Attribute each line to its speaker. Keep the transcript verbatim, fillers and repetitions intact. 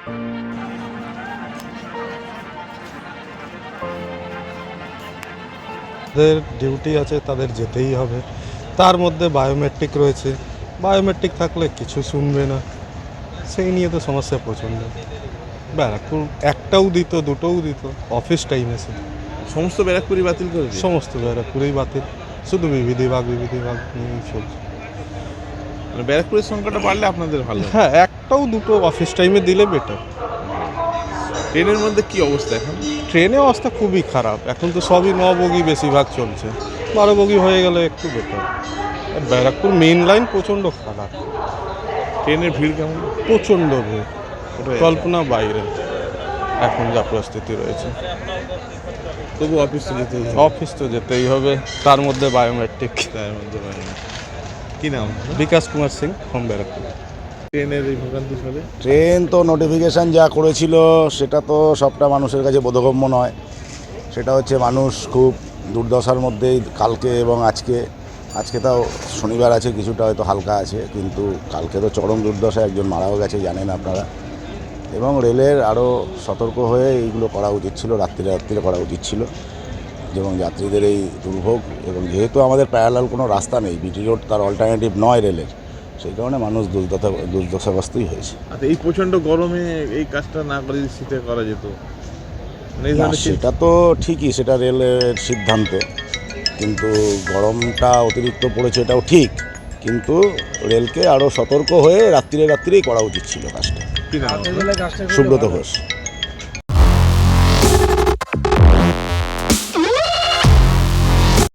Speaker 1: তাদের ডিউটি আছে, তাদের যেতেই হবে। তার মধ্যে বায়োমেট্রিক রয়েছে, বায়োমেট্রিক থাকলে কিছু শুনবে না, সেই নিয়ে তো সমস্যা প্রচণ্ড। ব্যারাকপুর একটাও দিত, দুটোও দিত, অফিস টাইম এসে
Speaker 2: সমস্ত ব্যারাকপুরি বাতিল করে দিল?
Speaker 1: সমস্ত ব্যারাকপুরেই বাতিল, শুধু বিবিধিবাগ বিবিধিবাগ নিয়েই চলছে।
Speaker 2: মানে ব্যারাকপুরের সংখ্যাটা বাড়লে আপনাদের ভালো।
Speaker 1: হ্যাঁ, একটাও দুটো অফিস টাইমে দিলে বেটার।
Speaker 2: ট্রেনের মধ্যে কি অবস্থা এখন?
Speaker 1: ট্রেনে অবস্থা খুবই খারাপ, এখন তো সবই ন বগি বেশিরভাগ চলছে, বারো বগি হয়ে গেলে একটু বেটার। আর ব্যারাকপুর মেইন লাইন প্রচণ্ড খারাপ,
Speaker 2: ট্রেনের ভিড় কেমন?
Speaker 1: প্রচণ্ড ভিড়,
Speaker 2: ওটাই
Speaker 1: কল্পনা বাইরে এখন যা পরিস্থিতি রয়েছে।
Speaker 2: তবু অফিস তো যেতেই হবে।
Speaker 1: অফিস তো যেতেই হবে, তার মধ্যে বায়োমেট্রিক।
Speaker 2: তার মধ্যে বাইরে। কি নাম?
Speaker 1: বিকাশ কুমার সিং, হোম ব্যারাকপুর।
Speaker 2: ট্রেনের এই ভোগান্তি ফলে
Speaker 3: ট্রেন তো নোটিফিকেশান যা করেছিল সেটা তো সবটা মানুষের কাছে বোধগম্য নয়। সেটা হচ্ছে মানুষ খুব দুর্দশার মধ্যেই কালকে এবং আজকে। আজকে তাও শনিবার আছে, কিছুটা হয়তো হালকা আছে, কিন্তু কালকে তো চরম দুর্দশা, একজন মারাও গেছে জানেন আপনারা। এবং রেলের আরও সতর্ক হয়ে এইগুলো করা উচিত ছিল, রাত্রিরে রাত্রিরে করা উচিত ছিল, এবং যাত্রীদের এই দুর্ভোগ, এবং যেহেতু আমাদের প্যারালাল কোনো রাস্তা নেই, বিটি রোড তার অল্টারনেটিভ নয় রেলের, সেই কারণে মানুষ দুর্দশা দুর্দশাগ্রস্তই হয়েছে।
Speaker 2: আচ্ছা, এই প্রচণ্ড গরমে এই কাজটা না করে যদি শীতে করা যেত, মানে এই
Speaker 3: না,
Speaker 2: ধরনের
Speaker 3: সেটা তো ঠিকই, সেটা রেলের সিদ্ধান্ত, কিন্তু গরমটা অতিরিক্ত পড়েছে এটাও ঠিক, কিন্তু রেলকে আরও সতর্ক হয়ে রাত্রিরে রাত্রিরেই করা উচিত ছিল কাজটা।
Speaker 2: কি নাম?
Speaker 3: সুব্রত ঘোষ।